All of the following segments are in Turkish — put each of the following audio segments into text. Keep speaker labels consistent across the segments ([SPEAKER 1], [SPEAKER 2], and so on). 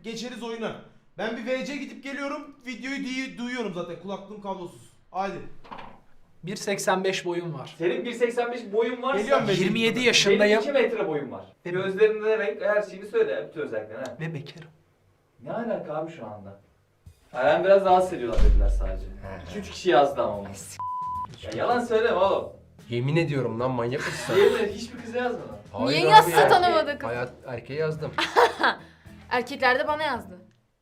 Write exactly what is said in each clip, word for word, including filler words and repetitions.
[SPEAKER 1] geçeriz oyuna. Ben bir V C gidip geliyorum. Videoyu duy- duyuyorum zaten. Kulaklığım kablosuz. Haydi.
[SPEAKER 2] bir seksen beş boyum var.
[SPEAKER 3] Senin bir seksen beş boyun varsa
[SPEAKER 1] Geliyorum ben.
[SPEAKER 2] yirmi yedi
[SPEAKER 3] benim
[SPEAKER 2] yaşındayım
[SPEAKER 3] iki metre boyum var.
[SPEAKER 2] Ve-
[SPEAKER 3] Gözlerinde renk her şeyini söyle. Bütün özelliklerini. Ha.
[SPEAKER 2] ve bekarım.
[SPEAKER 3] Ne alaka abi şu anda? Eren biraz rahatsız ediyorlar dediler sadece. iki üç kişi yazdı ama onu. Ya yalan söyleme oğlum.
[SPEAKER 4] Yemin ediyorum lan, manyak mısın sen?
[SPEAKER 3] Diğerleri hiçbir kıza yazmadı.
[SPEAKER 4] Hayır
[SPEAKER 5] Niye
[SPEAKER 4] abi,
[SPEAKER 5] yazsa
[SPEAKER 4] erkeğe-
[SPEAKER 5] tanımadık?
[SPEAKER 4] Hayat erkeğe yazdım.
[SPEAKER 5] Erkekler de bana yazdı.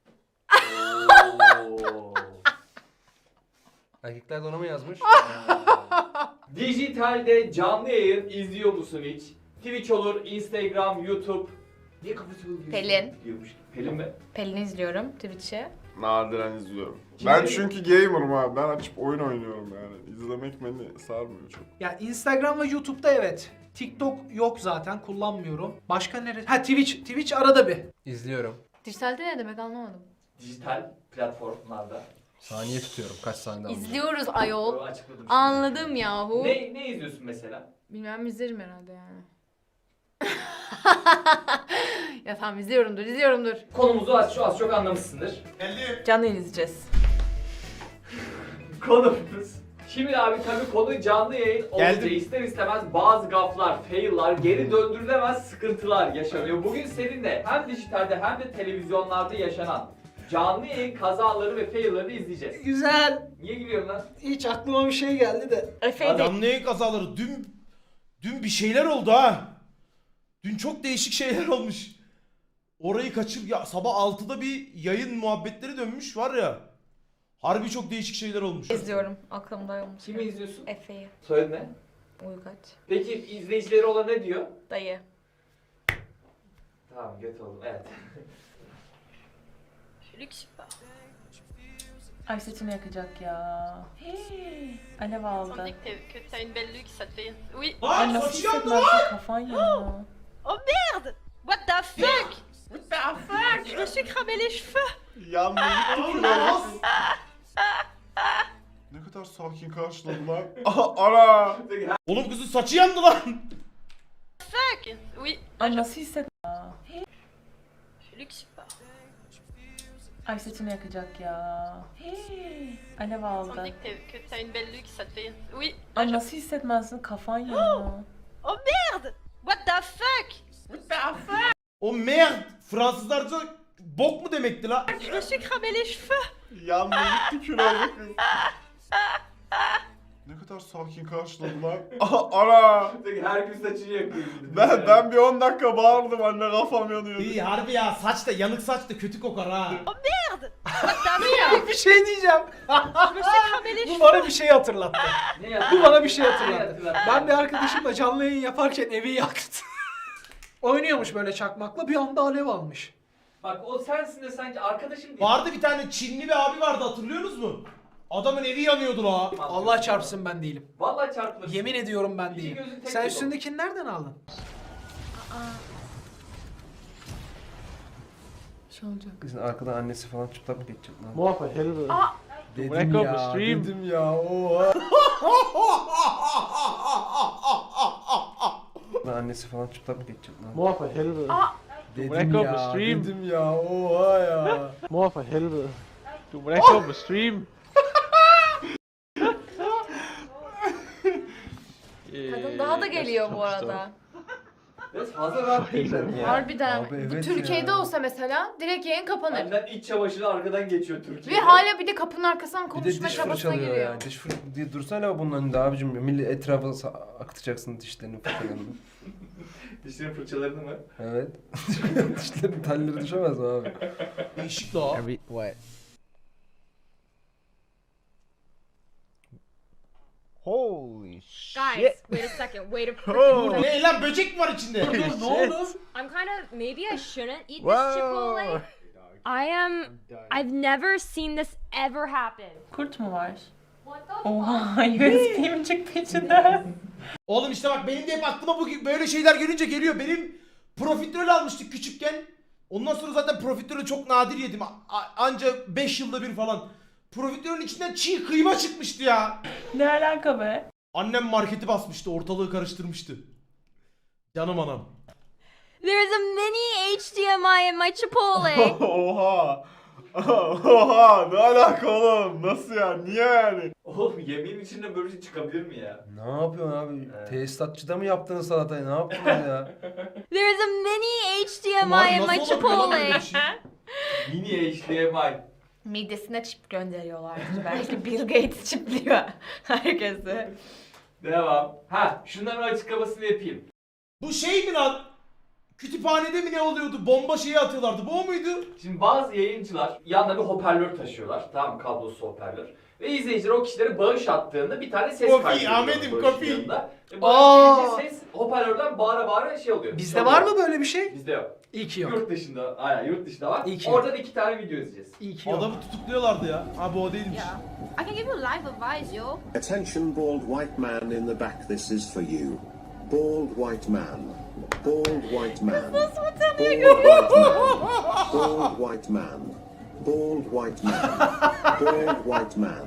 [SPEAKER 3] Oo.
[SPEAKER 4] Erkekler de ona mı yazmış?
[SPEAKER 3] Dijitalde canlı yayın izliyor musun hiç? Twitch olur, Instagram, YouTube. Niye kafası oluyor?
[SPEAKER 5] Pelin.
[SPEAKER 3] Diyormuş. Pelin mi?
[SPEAKER 5] Pelin'i izliyorum Twitch'e.
[SPEAKER 6] Nadiren izliyorum.
[SPEAKER 3] Kim
[SPEAKER 6] Ben
[SPEAKER 3] bilir?
[SPEAKER 6] çünkü gamer'ım abi. Ben açıp oyun oynuyorum yani. İzlemek beni sarmıyor çok.
[SPEAKER 2] Ya Instagram ve YouTube'da evet. TikTok yok zaten, kullanmıyorum. Başka nerede? Ha Twitch. Twitch arada bir.
[SPEAKER 4] İzliyorum.
[SPEAKER 5] Dijitalde ne demek anlamadım.
[SPEAKER 3] Dijital platformlarda.
[SPEAKER 4] Saniye tutuyorum, kaç saniyede aldım.
[SPEAKER 5] İzliyoruz ayol.
[SPEAKER 3] Böyle açıkladım şimdi.
[SPEAKER 5] Anladım yahu.
[SPEAKER 3] Ne, ne izliyorsun mesela?
[SPEAKER 5] Bilmem izlerim herhalde yani. Ya tamam izliyorumdur izliyorumdur.
[SPEAKER 3] Konumuzu az, şu az çok anlamışsındır.
[SPEAKER 1] Geldim.
[SPEAKER 5] Canlı izleyeceğiz.
[SPEAKER 3] Konumuz. Şimdi abi tabii konu canlı yayın olunca
[SPEAKER 1] Geldim.
[SPEAKER 3] ister istemez bazı gaflar, fail'lar, geri döndürülemez sıkıntılar yaşanıyor. Bugün seninle hem dijitalde hem de televizyonlarda yaşanan canlı yayın kazaları ve fail'larını izleyeceğiz.
[SPEAKER 2] Güzel.
[SPEAKER 3] Niye gülüyorsun lan?
[SPEAKER 2] Hiç aklıma bir şey geldi de.
[SPEAKER 5] Efe'yi de
[SPEAKER 1] Canlı yayın kazaları. Dün, dün bir şeyler oldu ha. Dün çok değişik şeyler olmuş. Orayı kaçır ya, sabah altıda bir yayın muhabbetleri dönmüş var ya. Harbi çok değişik şeyler olmuş.
[SPEAKER 5] izliyorum. Aklımda olmuş.
[SPEAKER 3] Kimi izliyorsun?
[SPEAKER 5] Efe'yi.
[SPEAKER 3] Soyadı ne?
[SPEAKER 5] Uygaç.
[SPEAKER 3] Peki izleyicileri olan ne diyor?
[SPEAKER 5] Dayı.
[SPEAKER 3] Tamam göt oldum evet.
[SPEAKER 7] Ay saçını yakacak ya. Hii, alev aldı.
[SPEAKER 8] On dit que t'es- que t'as une belle luxe, ça te fait... Oui.
[SPEAKER 1] Lan
[SPEAKER 7] Ay nasıl
[SPEAKER 1] saçı yandı lan.
[SPEAKER 7] hissetmezsin kafan yanıyor.
[SPEAKER 8] Oh merde! What the fuck? What the fuck? Je me suis cramé les cheveux!
[SPEAKER 6] Yandı gitti
[SPEAKER 1] Lan.
[SPEAKER 6] Ne kadar sakin karşıladılar. Aha ara.
[SPEAKER 1] Oğlum kızın saçı yandı lan.
[SPEAKER 8] Fuck! Oui.
[SPEAKER 7] Ay nasıl hisset...
[SPEAKER 8] Luxe pas.
[SPEAKER 7] Ay saçını yakacak ya. Hii, alev
[SPEAKER 8] On
[SPEAKER 7] aldı.
[SPEAKER 8] dit que t'es- que t'as une belle luxe, ça te fait... Oui.
[SPEAKER 7] Ay nasıl hissetmezsin kafan yanıyor.
[SPEAKER 8] Oh merde! What the fuck? What the fuck?
[SPEAKER 1] O merde Fransızlarca bok mu demekti la?
[SPEAKER 8] Je me suis cramé les cheveux!
[SPEAKER 6] Yandı gitti kül oldu kız. Ne kadar sakin karşıladılar. Aha ara.
[SPEAKER 3] Her gün saçını yakıyor.
[SPEAKER 6] Ben, ben bir on dakika bağırdım anne, kafam yanıyor.
[SPEAKER 1] İyi harbi ya, saç da yanık, saç da kötü kokar ha.
[SPEAKER 8] Merde! What the fuck?
[SPEAKER 2] Bir şey diyeceğim.
[SPEAKER 8] Je me suis cramé les
[SPEAKER 2] Bu
[SPEAKER 8] cheveux!
[SPEAKER 2] bana bir şey hatırlattı.
[SPEAKER 3] Ne yaptın?
[SPEAKER 2] Bu bana bir şey
[SPEAKER 3] Ne
[SPEAKER 2] hatırlattı.
[SPEAKER 3] hatırlattı?
[SPEAKER 2] Ben bir arkadaşımla canlı yayın yaparken evi yaktı. Oynuyormuş böyle çakmakla, bir anda alev almış.
[SPEAKER 3] Bak o sensin de sanki arkadaşım değil.
[SPEAKER 1] Vardı bir tane Çinli bir abi vardı, hatırlıyorsunuz mu? Adamın evi yanıyordu la.
[SPEAKER 2] Allah çarpsın ben değilim.
[SPEAKER 3] Vallahi çarpılır.
[SPEAKER 2] Yemin ediyorum ben
[SPEAKER 3] İki
[SPEAKER 2] değilim.
[SPEAKER 3] gözün tek
[SPEAKER 2] Sen
[SPEAKER 3] yok.
[SPEAKER 2] üstündekini nereden aldın?
[SPEAKER 7] Şey olacak.
[SPEAKER 4] Kızın arkadan annesi falan çıplak mı geçecek lan?
[SPEAKER 9] More for helvede.
[SPEAKER 4] Dedim
[SPEAKER 9] bırak o
[SPEAKER 4] ya,
[SPEAKER 9] stream.
[SPEAKER 4] dedim ya, oha. Lan annesi falan çıplak mı geçecek lan?
[SPEAKER 9] More for helvede.
[SPEAKER 4] Dedim
[SPEAKER 9] bırak o
[SPEAKER 4] ya,
[SPEAKER 9] stream.
[SPEAKER 4] dedim ya, oha ya.
[SPEAKER 9] More for helvede. Du brækker op på stream.
[SPEAKER 5] Kadın daha da geliyor bu arada.
[SPEAKER 3] Biraz fazla rahat değil ben ya.
[SPEAKER 5] Harbiden.
[SPEAKER 4] Abi
[SPEAKER 5] Bu
[SPEAKER 4] evet
[SPEAKER 5] Türkiye'de
[SPEAKER 4] ya.
[SPEAKER 5] olsa mesela direkt yayın kapanır.
[SPEAKER 3] Benden iç çamaşırı arkadan geçiyor Türkiye'de.
[SPEAKER 5] Ve hala bir de kapının arkasından
[SPEAKER 4] Bir de
[SPEAKER 5] konuşma
[SPEAKER 4] diş
[SPEAKER 5] çabasına
[SPEAKER 4] fırçalıyor
[SPEAKER 5] giriyor.
[SPEAKER 4] ya. Diş fır diye dursana bunun önünde abicim. Millet etrafa sa- akıtacaksın dişlerini fırçalarını.
[SPEAKER 3] Dişlerin fırçalarını mı?
[SPEAKER 4] Evet. Dişlerin telleri düşemez mi abi?
[SPEAKER 1] Değişik la.
[SPEAKER 4] Every what?
[SPEAKER 9] Holy
[SPEAKER 10] Guys, wait a second. Wait a
[SPEAKER 9] Oh.
[SPEAKER 10] freaking
[SPEAKER 1] Ne lan, böcek mi var içinde?
[SPEAKER 2] Dur ne oldu?
[SPEAKER 10] I'm kind of maybe I shouldn't eat this
[SPEAKER 9] Wow.
[SPEAKER 10] Chipotle. I am. I've never seen this ever happen.
[SPEAKER 7] Kurt mu var?
[SPEAKER 10] What the
[SPEAKER 7] Oha U S B mi çıktı içinden?
[SPEAKER 1] Oğlum işte bak, benim de hep aklıma bu böyle şeyler gelince geliyor. Benim profiterol almıştık küçükken. Ondan sonra zaten profiterolü çok nadir yedim. A- a- anca beş yılda bir falan. Profiterolün içinden çiğ kıyma çıkmıştı ya.
[SPEAKER 7] Ne alaka be?
[SPEAKER 1] Annem marketi basmıştı, ortalığı karıştırmıştı. Canım anam.
[SPEAKER 10] There's a mini H D M I in my Chipotle.
[SPEAKER 6] Oha. Oha ne alaka oğlum? Nasıl ya? Niye yani?
[SPEAKER 3] Oğlum yemeğin içinde böyle şey çıkabilir mi ya?
[SPEAKER 4] Ne yapıyorsun abi?
[SPEAKER 3] Evet.
[SPEAKER 4] Tesisatçıda mı yaptınız salatayı? Ne yaptınız ya?
[SPEAKER 10] There's a mini H D M
[SPEAKER 1] Ulan
[SPEAKER 10] I in my
[SPEAKER 1] nasıl olabilir lan böyle
[SPEAKER 10] Chipotle.
[SPEAKER 1] bir şey?
[SPEAKER 3] Mini H D M I.
[SPEAKER 5] Midesine çip gönderiyorlardır. Belki Bill Gates çipliyor herkese.
[SPEAKER 3] Devam. Ha, şunların açıklamasını yapayım.
[SPEAKER 1] Bu şey mi lan? Kütüphanede mi ne oluyordu? Bomba şeyi atıyorlardı. Bu o muydu?
[SPEAKER 3] Şimdi bazı yayıncılar yanında bir hoparlör taşıyorlar. Tamam mı? Kablosuz hoparlör. Ve izleyiciler o kişilere bağış attığında bir tane ses
[SPEAKER 1] Kofi,
[SPEAKER 3] kaydediyor.
[SPEAKER 1] Ahmet'im,
[SPEAKER 3] bağış
[SPEAKER 1] kofi.
[SPEAKER 3] yanında. Ve
[SPEAKER 2] Aa!
[SPEAKER 3] bağış gelince ses hoparlörden bağıra bağıra şey oluyor.
[SPEAKER 2] Bizde
[SPEAKER 3] Çalıyor.
[SPEAKER 2] var mı böyle bir şey?
[SPEAKER 3] Bizde yok.
[SPEAKER 2] İyi ki yok.
[SPEAKER 3] Yurt dışında, aynen yurt dışında var.
[SPEAKER 2] İyi ki yok.
[SPEAKER 3] Oradan iki tane video izleyeceğiz.
[SPEAKER 2] İyi ki yok.
[SPEAKER 1] Adamı tutukluyorlardı ya. Ha bu o değilmiş.
[SPEAKER 8] Yeah. I can give you life advice, yo.
[SPEAKER 11] Attention, bald white man in the back, this is for you. Bald white man. Bald white man. Bald white man. Bald white man. Bald white man.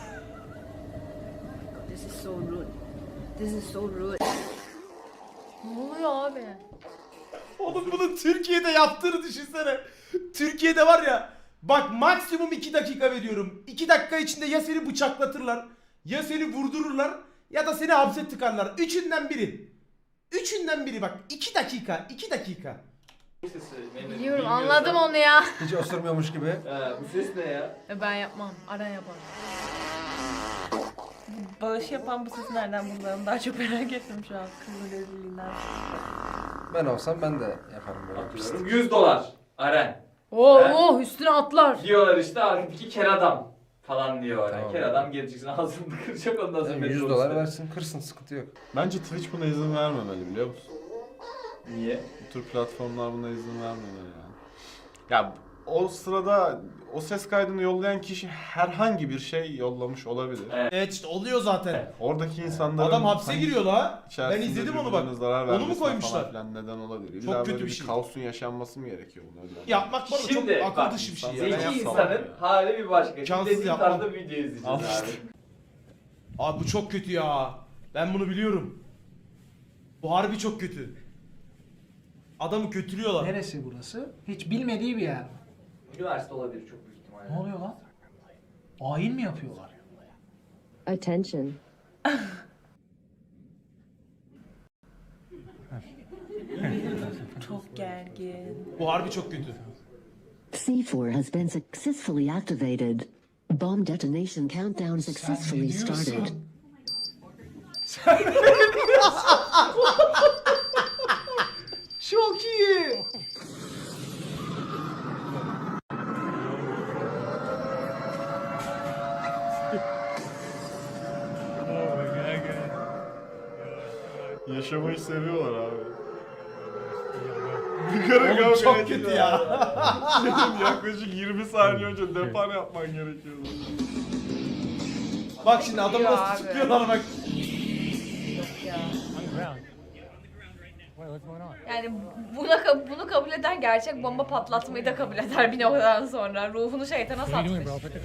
[SPEAKER 8] This is so rude. This is so rude.
[SPEAKER 5] Ne oluyor abi?
[SPEAKER 1] Oğlum bunu Türkiye'de yaptığını düşünsene. Türkiye'de var ya. Bak maksimum iki dakika veriyorum. iki dakika içinde ya seni bıçaklatırlar. Ya seni vurdururlar. Ya da seni hapse tıkarlar. Üçünden biri. Üçünden biri bak. iki dakika. iki dakika.
[SPEAKER 3] Bu sesi benim
[SPEAKER 5] Biliyorum,
[SPEAKER 3] bilmiyorsam-
[SPEAKER 5] anladım onu ya.
[SPEAKER 4] Hiç osurmuyormuş gibi.
[SPEAKER 3] Ee, bu ses ne ya?
[SPEAKER 5] E, Ben yapmam. Aran yapar.
[SPEAKER 7] Bağış yapan bu sesi nereden bulduğunu daha çok merak ettim şu an. Kızın rezilliğinden.
[SPEAKER 4] Ben olsam ben de yaparım böyle.
[SPEAKER 3] Atıyorum yüz dolar. Aren.
[SPEAKER 5] Oo,
[SPEAKER 3] He?
[SPEAKER 5] oh, üstüne atlar.
[SPEAKER 3] Diyorlar işte arkadaki kel adam falan diyor.
[SPEAKER 4] Tamam.
[SPEAKER 3] Kel adam geleceksin ağzını kıracak ondan sonra.
[SPEAKER 4] Yani yüz
[SPEAKER 3] metrobüste.
[SPEAKER 4] dolar versin kırsın sıkıntı yok.
[SPEAKER 6] Bence Twitch buna izin vermemeli biliyor musun?
[SPEAKER 3] Niye?
[SPEAKER 6] Bu tür platformlar buna izin vermemeli yani. Ya o sırada o ses kaydını yollayan kişi herhangi bir şey yollamış olabilir.
[SPEAKER 3] Evet.
[SPEAKER 1] Evet işte oluyor zaten.
[SPEAKER 6] Oradaki insanların
[SPEAKER 1] Adam hapse
[SPEAKER 6] hani
[SPEAKER 1] giriyor la. Ben
[SPEAKER 6] içerisinde
[SPEAKER 1] izledim onu
[SPEAKER 6] birbirlerine
[SPEAKER 1] bak.
[SPEAKER 6] zarar
[SPEAKER 1] Onu mu
[SPEAKER 6] vermesine
[SPEAKER 1] koymuşlar?
[SPEAKER 6] falan filan neden olabilir.
[SPEAKER 1] Çok
[SPEAKER 6] İlla
[SPEAKER 1] kötü
[SPEAKER 6] böyle
[SPEAKER 1] bir şey.
[SPEAKER 6] Kaosun yaşanması mı gerekiyor bunu öyle?
[SPEAKER 1] Yapmak bana çok
[SPEAKER 3] Şimdi
[SPEAKER 1] akıl
[SPEAKER 3] bak,
[SPEAKER 1] dışı bir şey ya.
[SPEAKER 3] Zeki
[SPEAKER 1] Ben yapsam.
[SPEAKER 3] insanın
[SPEAKER 6] ya.
[SPEAKER 3] hali bir başka. Şimdi
[SPEAKER 1] Cansız
[SPEAKER 3] dediğin
[SPEAKER 1] yapmam.
[SPEAKER 3] tarzda video izleyeceğiz
[SPEAKER 6] Al
[SPEAKER 3] abi.
[SPEAKER 6] işte.
[SPEAKER 1] Abi bu çok kötü ya. Ben bunu biliyorum. Bu harbi çok kötü. Adamı kötülüyorlar.
[SPEAKER 2] Neresi burası? Hiç bilmediği bir yer mi?
[SPEAKER 3] Üniversite olabilir çok büyük ihtimalle.
[SPEAKER 2] Ne oluyor lan? Ayin mi yapıyorlar?
[SPEAKER 10] Attention.
[SPEAKER 7] Çok gergin.
[SPEAKER 1] Bu harbi çok kötü.
[SPEAKER 11] C four has been successfully activated. Bomb detonation countdown successfully started.
[SPEAKER 2] Çok iyi.
[SPEAKER 6] Yaşamayı seviyorlar abi. Bir kere
[SPEAKER 1] Oğlum
[SPEAKER 6] kavga
[SPEAKER 1] çok
[SPEAKER 6] ediyor.
[SPEAKER 1] kötü ya.
[SPEAKER 6] Senin yaklaşık yirmi saniye önce depar yapman gerekiyordu.
[SPEAKER 1] Bak şimdi adamı
[SPEAKER 5] Ya
[SPEAKER 1] nasıl
[SPEAKER 5] abi.
[SPEAKER 1] tutuyorlar bak.
[SPEAKER 5] Yani buna ka- bunu kabul eden gerçek bomba patlatmayı da kabul eder bir noktadan sonra. Ruhunu şeytana satmış.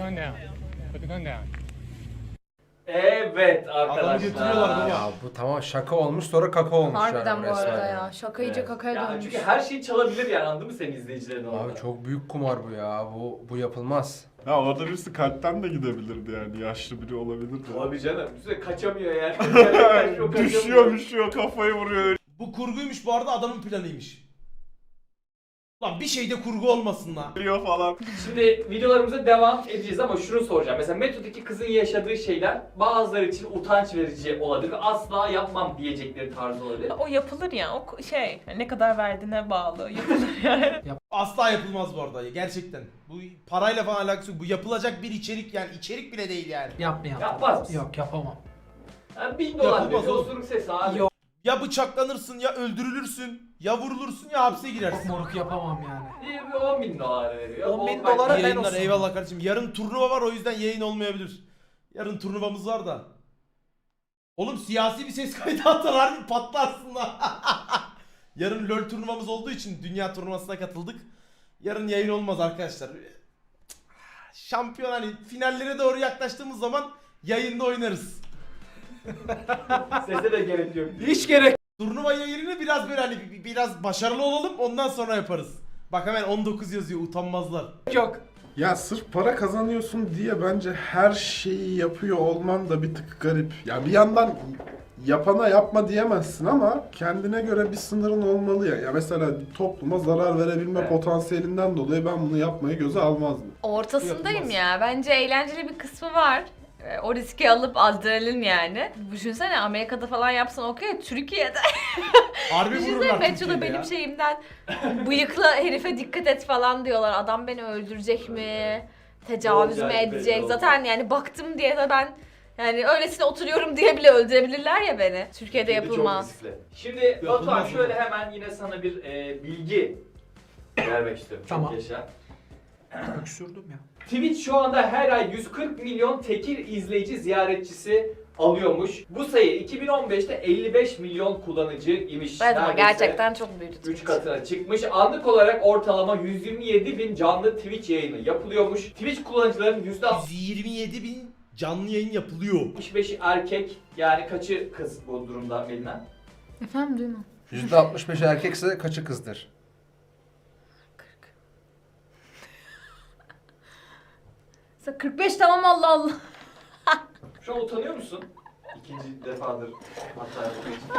[SPEAKER 3] Evet
[SPEAKER 1] Adamı
[SPEAKER 3] arkadaşlar.
[SPEAKER 1] götürüyorlar baba.
[SPEAKER 4] Ya bu tamam şaka olmuş sonra kaka olmuş
[SPEAKER 5] Harbiden
[SPEAKER 4] yani
[SPEAKER 5] bu
[SPEAKER 4] resmen
[SPEAKER 5] arada
[SPEAKER 4] yani.
[SPEAKER 5] ya. Şaka iyice
[SPEAKER 3] Evet.
[SPEAKER 5] kakaya
[SPEAKER 3] Ya
[SPEAKER 5] dönmüş.
[SPEAKER 3] çünkü her şeyi çalabilir yani anladın mı senin izleyicilerin orada?
[SPEAKER 4] Abi çok büyük kumar bu ya. Bu bu yapılmaz.
[SPEAKER 6] Ya orada birisi kalpten de gidebilirdi yani. Yaşlı biri olabilirdi.
[SPEAKER 3] Tabii canım. Üstüne kaçamıyor yani. Kaçıyor,
[SPEAKER 6] düşüyor düşüyor kafayı vuruyor.
[SPEAKER 1] Bu kurguymuş bu arada adamın planıymış. Lan bir şeyde kurgu olmasın lan.
[SPEAKER 6] Diyor falan.
[SPEAKER 3] Şimdi videolarımıza devam edeceğiz ama şunu soracağım. Mesela metodaki kızın yaşadığı şeyler bazıları için utanç verici olabilir ve asla yapmam diyecekleri tarzı olabilir.
[SPEAKER 7] O yapılır ya. O ko- şey ne kadar verdiğine bağlı. Yapılır yani.
[SPEAKER 1] Asla yapılmaz bu arada gerçekten. Bu parayla falan alakası yok. Bu yapılacak bir içerik yani içerik bile değil yani.
[SPEAKER 2] Yapmayalım.
[SPEAKER 3] Yapmaz mısın?
[SPEAKER 2] Yok yapamam.
[SPEAKER 3] Yani bin dolar
[SPEAKER 1] Yapılmaz
[SPEAKER 3] bir
[SPEAKER 1] oğlum.
[SPEAKER 3] osuruk sesi abi.
[SPEAKER 2] Yok.
[SPEAKER 1] Ya bıçaklanırsın ya öldürülürsün ya vurulursun ya hapse girersin.
[SPEAKER 2] Moruk yapamam yani.
[SPEAKER 3] İyi bir on bin dolar veriyor.
[SPEAKER 2] on bin
[SPEAKER 3] On bak-
[SPEAKER 2] dolara ben
[SPEAKER 1] Yayınlar
[SPEAKER 2] olsun.
[SPEAKER 1] eyvallah kardeşim. Yarın turnuva var o yüzden yayın olmayabilir. Yarın turnuvamız var da. Oğlum siyasi bir ses kaydı atarlar mı patlarsın lan. Yarın LoL turnuvamız olduğu için dünya turnuvasına katıldık. Yarın yayın olmaz arkadaşlar. Şampiyon hani finallere doğru yaklaştığımız zaman yayında oynarız.
[SPEAKER 3] Sese de gerek yok.
[SPEAKER 2] Hiç gerek
[SPEAKER 1] Turnuva yayınını biraz böyle hani bi- biraz başarılı olalım ondan sonra yaparız. Bak hemen on dokuz yazıyor utanmazlar.
[SPEAKER 2] Yok.
[SPEAKER 6] Ya sırf para kazanıyorsun diye bence her şeyi yapıyor olman da bir tık garip. Ya bir yandan yapana yapma diyemezsin ama kendine göre bir sınırın olmalı ya. Ya mesela topluma zarar verebilme
[SPEAKER 3] Evet.
[SPEAKER 6] potansiyelinden dolayı ben bunu yapmayı göze almazdım.
[SPEAKER 5] Ortasındayım
[SPEAKER 1] Yapılmaz.
[SPEAKER 5] ya. Bence eğlenceli bir kısmı var. Ee, O riski alıp adrenalin yani. Düşünsene Amerika'da falan yapsan okey. Türkiye'de.
[SPEAKER 1] Harbi
[SPEAKER 5] Düşünsene
[SPEAKER 1] vururlar
[SPEAKER 5] metroda
[SPEAKER 1] Türkiye'de
[SPEAKER 5] benim
[SPEAKER 1] ya.
[SPEAKER 5] şeyimden bıyıklı herife dikkat et falan diyorlar. Adam beni öldürecek mi? Tecavüz mü
[SPEAKER 3] Olacak, belli
[SPEAKER 5] edecek?
[SPEAKER 3] olmaz.
[SPEAKER 5] Zaten yani baktım diye de ben yani öylesine oturuyorum diye bile öldürebilirler ya beni. Türkiye'de
[SPEAKER 3] Çok
[SPEAKER 5] yapılmaz.
[SPEAKER 3] riskli. Şimdi Batuhan
[SPEAKER 1] Yapılmaz
[SPEAKER 3] şöyle
[SPEAKER 1] mı?
[SPEAKER 3] hemen yine sana bir e, bilgi vermek istiyorum. Çok
[SPEAKER 2] Tamam.
[SPEAKER 3] yaşa.
[SPEAKER 2] Öksürdüm ya.
[SPEAKER 3] Twitch şu anda her ay yüz kırk milyon tekil izleyici ziyaretçisi alıyormuş. Bu sayı iki bin on beşte elli beş milyon kullanıcı imiş.
[SPEAKER 5] Evet ama
[SPEAKER 3] Neredeyse
[SPEAKER 5] gerçekten çok büyüdü.
[SPEAKER 3] üç katına çıkmış. Anlık olarak ortalama yüz yirmi yedi bin canlı Twitch yayını yapılıyormuş. Twitch kullanıcıların yüzde
[SPEAKER 1] yüz yirmi yedi bin canlı yayın yapılıyor.
[SPEAKER 3] altmış beşi erkek, yani kaçı kız bu durumda Melina?
[SPEAKER 7] Efendim duymam.
[SPEAKER 4] yüzde altmış beş erkekse kaçı kızdır?
[SPEAKER 7] kırk beş tamam Allah Allah.
[SPEAKER 3] Şu an utanıyor musun? İkinci defadır hata yaptığın için.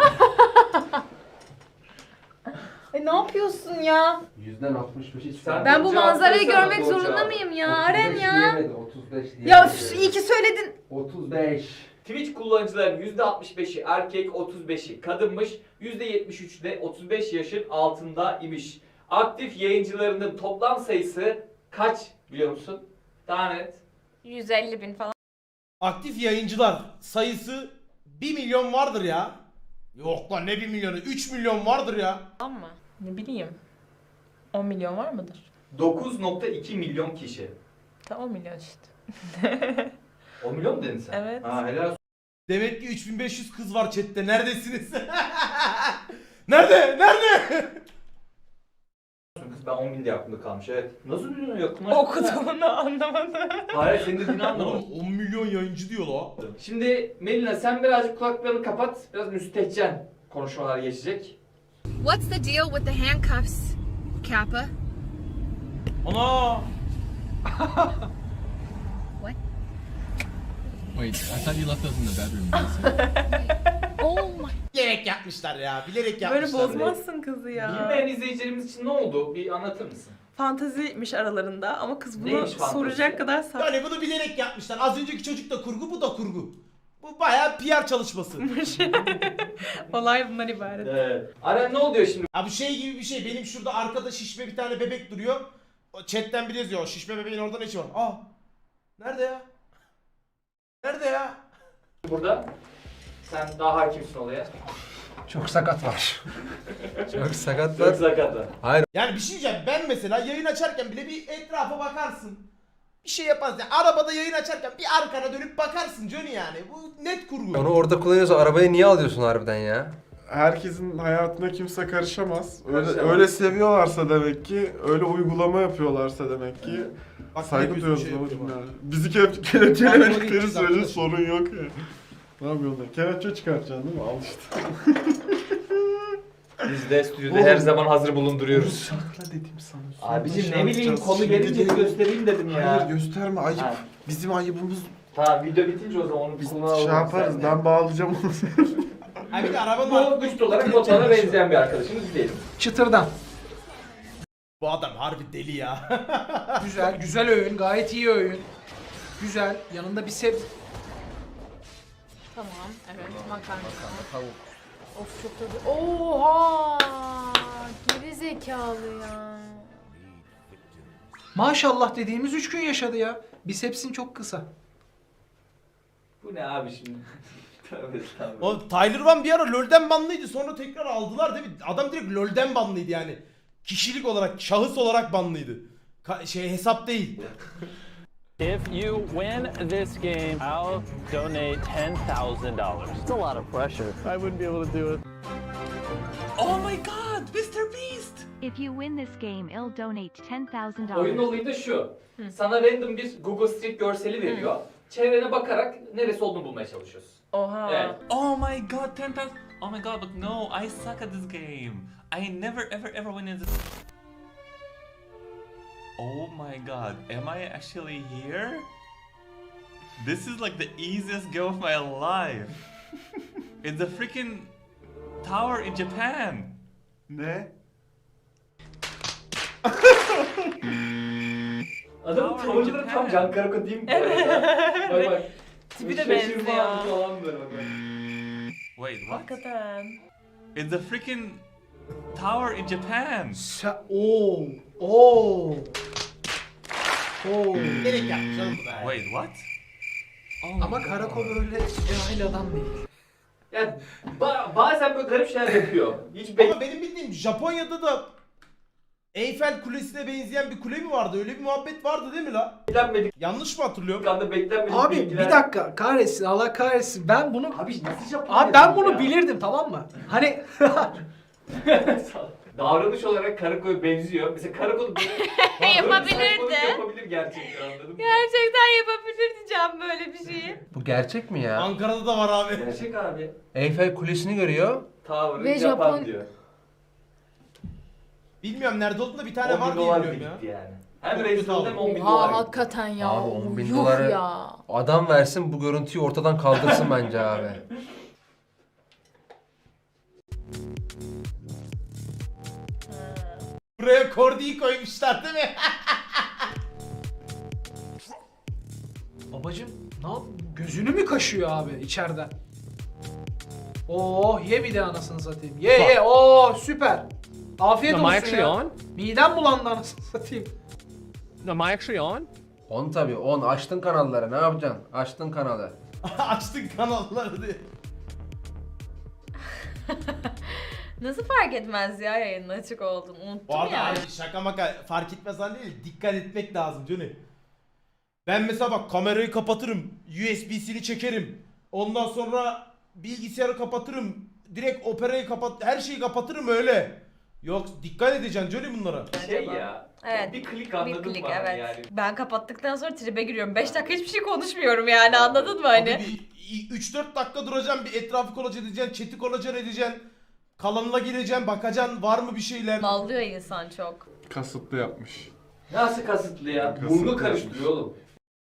[SPEAKER 7] E ne yapıyorsun ya?
[SPEAKER 4] Yüzden altmış beşi
[SPEAKER 3] Sen-
[SPEAKER 7] Ben bu
[SPEAKER 3] Cevap
[SPEAKER 7] manzarayı
[SPEAKER 3] versene,
[SPEAKER 7] görmek
[SPEAKER 3] doğru
[SPEAKER 7] zorunda
[SPEAKER 3] cevap.
[SPEAKER 7] mıyım ya? Aren ya.
[SPEAKER 4] otuz beş
[SPEAKER 7] Ya üf, iyi ki söyledin.
[SPEAKER 4] otuz beş.
[SPEAKER 3] Twitch kullanıcıların yüzde altmış beşi erkek, otuz beşi kadınmış. yüzde yetmiş üçü de otuz beş yaşın altında imiş. Aktif yayıncılarının toplam sayısı kaç biliyor musun? Daha net.
[SPEAKER 5] yüz elli bin falan.
[SPEAKER 1] Aktif yayıncılar sayısı bir milyon vardır ya. Yok lan ne bir milyonu? üç milyon vardır ya.
[SPEAKER 5] Tamam mı?
[SPEAKER 7] Ne bileyim. on milyon var mıdır?
[SPEAKER 3] dokuz nokta iki milyon kişi.
[SPEAKER 7] Tamam on milyon işte.
[SPEAKER 3] on milyon mu dedin sen?
[SPEAKER 7] Evet.
[SPEAKER 3] Ha, helal olsun
[SPEAKER 1] Demek ki üç bin beş yüz kız var chatte. Neredesiniz? Nerede? Nerede?
[SPEAKER 3] kız. Ben on bin diye aklımda kalmış. Evet. Nasıl biliyorsun yakınlar?
[SPEAKER 7] Okuduğunu anlamadım.
[SPEAKER 3] Hayır, senin dediğini anlamadım.
[SPEAKER 1] Oğlum on milyon yayıncı diyor la.
[SPEAKER 3] Şimdi Melina sen birazcık kulaklarını kapat. Biraz müstehcen konuşmalar geçecek.
[SPEAKER 10] What's the deal with the handcuffs, Kappa?
[SPEAKER 1] Ana!
[SPEAKER 12] Wait, I thought you left those in the bedroom.
[SPEAKER 10] Oh my.
[SPEAKER 1] Bilerek yapmışlar ya. Bilerek
[SPEAKER 7] Böyle
[SPEAKER 1] yapmışlar.
[SPEAKER 7] bozmazsın kızı ya.
[SPEAKER 3] Bilmeyen izleyicilerimiz için ne oldu? Bir anlatır mısın?
[SPEAKER 7] Fanteziymiş aralarında ama kız bunu
[SPEAKER 3] Neymiş fantezi?
[SPEAKER 7] soracak kadar saf.
[SPEAKER 1] Yani bunu bilerek yapmışlar. Az önceki çocuk da kurgu, bu da kurgu. Bu bayağı P R çalışması.
[SPEAKER 7] Olay bundan ibaret.
[SPEAKER 3] Evet. Aren ne oluyor şimdi?
[SPEAKER 1] Ha bu şey gibi bir şey. Benim şurada arkada şişme bir tane bebek duruyor. O chatten biri yazıyor. O şişme bebeğin orada ne işi var? Aa! Nerede ya? Nerede ya?
[SPEAKER 3] Burada sen daha hakimsin olaya.
[SPEAKER 4] Çok sakat var. Çok sakat
[SPEAKER 3] Çok
[SPEAKER 4] var.
[SPEAKER 3] sakatı.
[SPEAKER 1] Yani bir şey diyeceğim. Ben mesela yayın açarken bile bir etrafa bakarsın. Bir şey yaparsın. Yani arabada yayın açarken bir arkana dönüp bakarsın Johnny yani. Bu net kurgu.
[SPEAKER 4] Onu orada kullanıyorsa arabayı niye alıyorsun harbiden ya?
[SPEAKER 6] Herkesin hayatına kimse karışamaz. Öyle,
[SPEAKER 3] Karışamaz.
[SPEAKER 6] öyle seviyorlarsa demek ki, öyle uygulama yapıyorlarsa demek ki
[SPEAKER 1] Bak,
[SPEAKER 6] saygı
[SPEAKER 1] ne
[SPEAKER 6] duyuyoruz
[SPEAKER 1] yapıyorsun, şey
[SPEAKER 6] babacım
[SPEAKER 1] yapıyor
[SPEAKER 6] ya. Bizi ke- kelepçelemedikleri
[SPEAKER 1] gideceğiz
[SPEAKER 6] sürece
[SPEAKER 1] arkadaş.
[SPEAKER 6] sorun yok ya. Ne yapıyorlar? Kelepçe çıkartacaksın değil mi? Al işte.
[SPEAKER 3] Biz de stüdyoda
[SPEAKER 6] Oğlum.
[SPEAKER 3] her zaman hazır bulunduruyoruz.
[SPEAKER 6] Sakla dedim sana. Sonra
[SPEAKER 3] Abicim
[SPEAKER 6] şey
[SPEAKER 3] ne bileyim
[SPEAKER 6] yapacağız.
[SPEAKER 3] konu
[SPEAKER 6] Şimdi
[SPEAKER 3] gelince
[SPEAKER 6] değil.
[SPEAKER 3] göstereyim dedim ya.
[SPEAKER 6] Hayır gösterme, ayıp.
[SPEAKER 3] Ha.
[SPEAKER 6] Bizim ayıbımız.
[SPEAKER 3] Tamam video bitince o zaman onu
[SPEAKER 6] Biz
[SPEAKER 3] kullanalım.
[SPEAKER 6] şey yaparız,
[SPEAKER 3] sen de.
[SPEAKER 6] ben bağlayacağım onu.
[SPEAKER 1] Ha bir de arabanın
[SPEAKER 3] Bu
[SPEAKER 1] arkada
[SPEAKER 3] güçlü olarak Batuhan'a benzeyen bir arkadaşımız diyelim.
[SPEAKER 2] Çıtırdan.
[SPEAKER 1] Bu adam harbi deli ya.
[SPEAKER 2] Güzel, güzel öğün, gayet iyi öğün. Güzel, yanında bir sebze.
[SPEAKER 5] Tamam. Evet. Makarna.
[SPEAKER 4] Tavuk.
[SPEAKER 5] Of çok tadı. Oha! Geri zekalı ya.
[SPEAKER 2] Maşallah dediğimiz üç gün yaşadı ya. Bisepsin çok kısa.
[SPEAKER 3] Bu ne abi şimdi? Tövbe estağfurullah.
[SPEAKER 1] O Tyler Van bir ara LoL'den banlıydı. Sonra tekrar aldılar değil mi? Adam direkt LoL'den banlıydı yani. Kişilik olarak, şahıs olarak banlıydı. Ka- şey hesap değil.
[SPEAKER 12] If you win this game, I'll donate ten thousand dollars. It's a lot of pressure. I wouldn't be able to do it.
[SPEAKER 2] Oh my god, mister Beast!
[SPEAKER 10] If you win this game, I'll donate ten thousand
[SPEAKER 3] Oyun
[SPEAKER 10] dollars.
[SPEAKER 3] olayı da şu. Sana random bir Google Street görseli veriyor. Çevrene bakarak neresi olduğunu bulmaya çalışıyorsun.
[SPEAKER 7] Oha.
[SPEAKER 3] Evet.
[SPEAKER 12] Oh my god, ten thousand.
[SPEAKER 13] Oh my god, but no, I suck at this game. I never ever ever win in this. Oh my god, am I actually here? This is like the easiest game of my life. It's a freaking tower in Japan.
[SPEAKER 6] Ne?
[SPEAKER 3] Adamın
[SPEAKER 13] Tower
[SPEAKER 3] tavırları
[SPEAKER 13] Japan.
[SPEAKER 3] tam Can Karako değil mi? bu arada? Bak bak.
[SPEAKER 7] Tipi de
[SPEAKER 3] Şaşırma
[SPEAKER 7] benziyor.
[SPEAKER 3] falan böyle bak.
[SPEAKER 13] Wait, what?
[SPEAKER 7] Hakikaten.
[SPEAKER 13] It's a freaking tower in Japan.
[SPEAKER 2] Sen... Oo. Oo. Oo.
[SPEAKER 1] Gerek yapmış oğlum bu da.
[SPEAKER 13] Wait, what? Oh my
[SPEAKER 2] Ama
[SPEAKER 13] God.
[SPEAKER 2] Karako böyle cahil adam değil.
[SPEAKER 3] Ya ba- bazen böyle garip şeyler yapıyor. Hiç be-
[SPEAKER 1] Ama benim bildiğim Japonya'da da Eyfel Kulesi'ne benzeyen bir kule mi vardı? Öyle bir muhabbet vardı değil mi la?
[SPEAKER 3] beklenmedik
[SPEAKER 1] Yanlış mı hatırlıyorum?
[SPEAKER 3] anda beklenmedik
[SPEAKER 2] Abi
[SPEAKER 3] bilgiler.
[SPEAKER 2] bir dakika kahretsin Allah kahretsin ben bunu
[SPEAKER 3] Abi nasıl Japonya
[SPEAKER 2] Abi ben bunu
[SPEAKER 3] ya?
[SPEAKER 2] bilirdim tamam mı? Hani
[SPEAKER 3] Davranış olarak Karako'ya benziyor. Mesela Karako'da böyle
[SPEAKER 5] Yapabilirdi.
[SPEAKER 3] yapabilir gerçekten, anladın mı?
[SPEAKER 5] Gerçekten yapabilir diyeceğim böyle bir şeyi.
[SPEAKER 4] Bu gerçek mi ya?
[SPEAKER 1] Ankara'da da var abi.
[SPEAKER 3] Gerçek abi.
[SPEAKER 4] Eyfel Kulesi'ni görüyor.
[SPEAKER 3] Tower'ı
[SPEAKER 10] Ve
[SPEAKER 3] Japan
[SPEAKER 10] Japon-
[SPEAKER 3] diyor.
[SPEAKER 1] Bilmiyorum nerede olduğunda bir tane
[SPEAKER 3] on
[SPEAKER 1] var
[SPEAKER 3] bin
[SPEAKER 1] diye
[SPEAKER 3] dolar
[SPEAKER 1] biliyorum ya.
[SPEAKER 3] gitti yani. Hem
[SPEAKER 1] Çok
[SPEAKER 3] reis
[SPEAKER 1] kötü
[SPEAKER 3] hem on bin
[SPEAKER 10] Oha
[SPEAKER 3] dolar gitti.
[SPEAKER 10] hakikaten ya.
[SPEAKER 4] Abi on bin
[SPEAKER 10] Yuh
[SPEAKER 4] doları
[SPEAKER 10] ya.
[SPEAKER 4] adam versin bu görüntüyü ortadan kaldırsın bence abi.
[SPEAKER 1] Buraya Kordi'yi koymuşlar değil mi?
[SPEAKER 2] babacım ne yap? Gözünü mü kaşıyor abi içeriden? Oo ye bir de anasını satayım. Ye ye oo süper. Afiyet
[SPEAKER 9] Am I
[SPEAKER 2] olsun
[SPEAKER 9] actually
[SPEAKER 2] ya.
[SPEAKER 9] on?
[SPEAKER 2] Midem bulandı anasını satayım.
[SPEAKER 9] Am I actually on?
[SPEAKER 4] On tabii on. Açtın kanalları ne yapacaksın? Açtın kanalı.
[SPEAKER 1] Açtın kanalları diye.
[SPEAKER 5] Nasıl fark etmez ya yayının açık olduğunu unuttum
[SPEAKER 1] Bu arada
[SPEAKER 5] ya.
[SPEAKER 1] abi şaka maka fark etmez hani değil, dikkat etmek lazım Johnny. Ben mesela bak kamerayı kapatırım, U S B'sini çekerim. Ondan sonra bilgisayarı kapatırım. Direkt operayı kapat, her şeyi kapatırım öyle. Yok dikkat edeceksin Johnny bunlara.
[SPEAKER 3] Şey ya.
[SPEAKER 5] Evet.
[SPEAKER 3] Bir klik
[SPEAKER 5] Bir
[SPEAKER 3] anladın
[SPEAKER 5] klik
[SPEAKER 3] mı?
[SPEAKER 5] evet.
[SPEAKER 3] Yani.
[SPEAKER 5] Ben kapattıktan sonra tribe giriyorum. beş dakika hiçbir şey konuşmuyorum yani anladın mı hani?
[SPEAKER 1] Abi bir üç dört dakika duracaksın, bir etrafı kolaç edeceksin, chat'i kolaç edeceksin. Kalanına gireceksin, bakacaksın var mı bir şeyler.
[SPEAKER 5] Mallıyor insan çok.
[SPEAKER 6] Kasıtlı yapmış.
[SPEAKER 3] Nasıl kasıtlı ya?
[SPEAKER 6] Kasıtlı
[SPEAKER 3] Burnu
[SPEAKER 6] yapmış.
[SPEAKER 3] karıştırıyor oğlum.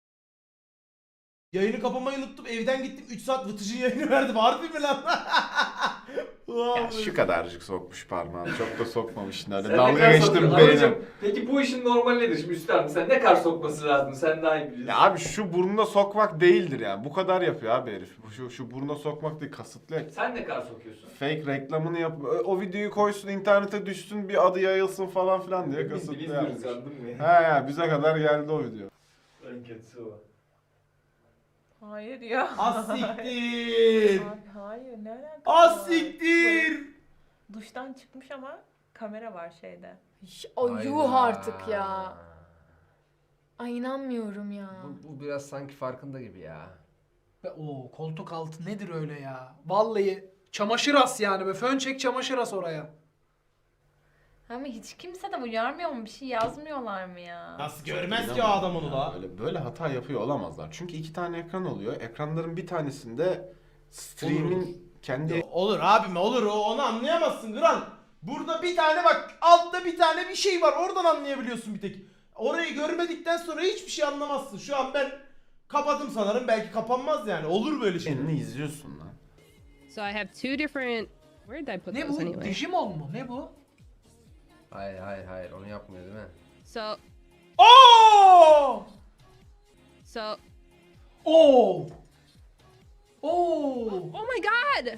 [SPEAKER 1] Yayını kapamayı unuttum, evden gittim üç saat Vıtıcın yayını verdim. Harbi mi lan?
[SPEAKER 6] Ya şu kadarcık sokmuş parmağını. Çok da sokmamış. Öyle
[SPEAKER 3] Sen ne
[SPEAKER 6] dalga
[SPEAKER 3] kadar
[SPEAKER 6] geçtim
[SPEAKER 3] sokuyorsun?
[SPEAKER 6] beynim.
[SPEAKER 3] Ablacım, peki bu işin normali nedir şimdi Üstad? Sen ne kadar sokması lazım? Sen daha iyi biliyorsun.
[SPEAKER 6] Ya abi şu burnuna sokmak değildir yani. Bu kadar yapıyor abi herif. Bu Şu, şu burnuna sokmak değil, kasıtlı.
[SPEAKER 3] Sen ne kadar sokuyorsun?
[SPEAKER 6] Fake reklamını yap. O videoyu koysun, internete düşsün, bir adı yayılsın falan filan diye
[SPEAKER 3] Biz
[SPEAKER 6] kasıtlı
[SPEAKER 3] biliyoruz
[SPEAKER 6] yapmış.
[SPEAKER 3] anladın mı?
[SPEAKER 6] He ya bize kadar geldi o video.
[SPEAKER 3] En kötüsü o.
[SPEAKER 7] Hayır ya.
[SPEAKER 1] Asiktir.
[SPEAKER 7] Abi hayır ne alakası var?
[SPEAKER 1] Asiktir.
[SPEAKER 7] Duştan çıkmış ama kamera var şeyde.
[SPEAKER 10] O
[SPEAKER 4] Hayda.
[SPEAKER 10] yuh artık ya. Ay inanmıyorum ya.
[SPEAKER 4] Bu, bu biraz sanki farkında gibi ya.
[SPEAKER 2] Ve o koltuk altı nedir öyle ya? Vallahi çamaşır as yani be. Fön çek çamaşır as oraya.
[SPEAKER 5] Ama hiç kimse de uyarmıyor mu? Bir şey yazmıyorlar mı ya?
[SPEAKER 1] Nasıl görmez ki o adam onu da?
[SPEAKER 6] Böyle, böyle hata yapıyor olamazlar. Çünkü iki tane ekran oluyor. Ekranların bir tanesinde stream'in kendi...
[SPEAKER 1] Olur abim olur, o onu anlayamazsın Kral. Burada bir tane bak, altta bir tane bir şey var, oradan anlayabiliyorsun bir tek. Orayı görmedikten sonra hiçbir şey anlamazsın. Şu an ben kapadım sanırım, belki kapanmaz yani, olur böyle şey.
[SPEAKER 6] Kendini izliyorsun lan.
[SPEAKER 14] So I have two different. Where did I put
[SPEAKER 2] Ne
[SPEAKER 14] those
[SPEAKER 2] bu?
[SPEAKER 14] anyway?
[SPEAKER 2] Digimon mu? Ne bu?
[SPEAKER 4] Hayır hayır hayır onu yapmıyor değil mi?
[SPEAKER 14] So
[SPEAKER 1] Oo!
[SPEAKER 14] so.
[SPEAKER 2] Oo! Oo!
[SPEAKER 14] Oh my god!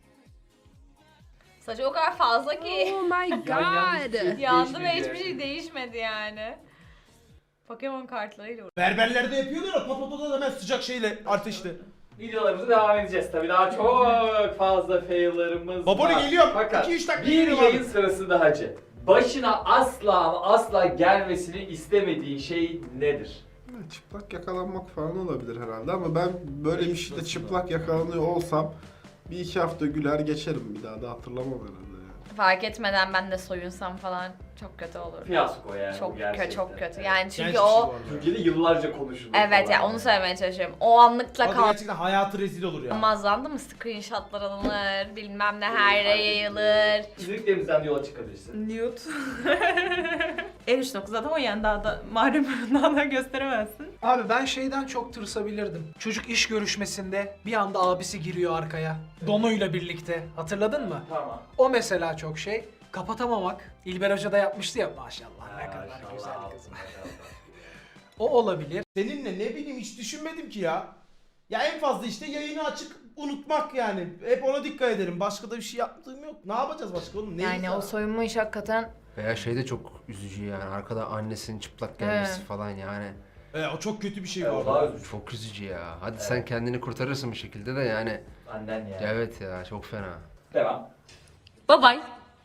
[SPEAKER 5] Saçı o kadar fazla ki.
[SPEAKER 14] Oh my god!
[SPEAKER 5] Yandı ve hiçbir şey değişmedi yani. Pokemon kartlarıyla uğraşıyor.
[SPEAKER 1] Berberlerde yapıyorlar ya, pat pat pat hemen sıcak şeyle, ateşle.
[SPEAKER 3] Videolarımıza devam edeceğiz tabii. Daha çok fazla fail'larımız
[SPEAKER 1] Baboli
[SPEAKER 3] var.
[SPEAKER 1] geliyorum.
[SPEAKER 3] Fakat
[SPEAKER 1] iki üç dakika
[SPEAKER 3] bir
[SPEAKER 1] geliyorum
[SPEAKER 3] yayın
[SPEAKER 1] abi.
[SPEAKER 3] sırası daha Hacı. Başına asla ama asla gelmesini istemediğin şey nedir?
[SPEAKER 6] Çıplak yakalanmak falan olabilir herhalde ama ben böyle bir şeyde çıplak yakalanıyor olsam bir iki hafta güler geçerim, bir daha da hatırlamam herhalde ya.
[SPEAKER 5] Fark etmeden ben de soyunsam falan Çok kötü olur.
[SPEAKER 3] Fiyasko yani.
[SPEAKER 5] Çok
[SPEAKER 3] gerçekten.
[SPEAKER 5] kötü, çok kötü. Yani çünkü
[SPEAKER 1] Gerçek
[SPEAKER 5] o...
[SPEAKER 1] şey bu arada.
[SPEAKER 3] Türkiye'de yıllarca konuşulur.
[SPEAKER 5] Evet
[SPEAKER 3] falan
[SPEAKER 5] ya onu söylemeye çalışıyorum. O anlıkla
[SPEAKER 1] Abi gerçekten hayatı rezil olur ya.
[SPEAKER 5] kalmazlandı mı? Screenshotlar alınır, bilmem ne her yere yayılır.
[SPEAKER 3] İzlediklerimizden yola çıkabilirsin.
[SPEAKER 7] Nude. en üç nokta zaten o yani daha da malum daha da gösteremezsin.
[SPEAKER 2] Abi ben şeyden çok tırsabilirdim. Çocuk iş görüşmesinde bir anda abisi giriyor arkaya. Donuyla birlikte. Hatırladın mı?
[SPEAKER 3] Tamam.
[SPEAKER 2] O mesela çok şey. Kapatamamak. İlber Hoca da yapmıştı ya maşallah. Ne
[SPEAKER 3] Ha,
[SPEAKER 2] kadar
[SPEAKER 3] maşallah,
[SPEAKER 2] güzel
[SPEAKER 3] altın,
[SPEAKER 2] kızım.
[SPEAKER 3] maşallah.
[SPEAKER 2] O olabilir.
[SPEAKER 1] Seninle ne bileyim hiç düşünmedim ki ya. Ya en fazla işte yayını açık unutmak yani. Hep ona dikkat ederim. Başka da bir şey yaptığım yok. Ne yapacağız başka oğlum? Ne
[SPEAKER 15] Yani o soyunma iş hakikaten
[SPEAKER 4] Veya şey de çok üzücü yani. Arkada annesinin çıplak gelmesi
[SPEAKER 15] Evet.
[SPEAKER 4] falan yani.
[SPEAKER 1] E, o çok kötü bir şey
[SPEAKER 3] Evet,
[SPEAKER 1] bu
[SPEAKER 3] o
[SPEAKER 1] arada.
[SPEAKER 3] daha üzücü.
[SPEAKER 4] Çok üzücü ya. Hadi
[SPEAKER 3] Evet.
[SPEAKER 4] sen kendini kurtarırsın bir şekilde de yani.
[SPEAKER 3] Annen ya.
[SPEAKER 4] Evet ya çok fena.
[SPEAKER 3] Devam.
[SPEAKER 5] Bye bye.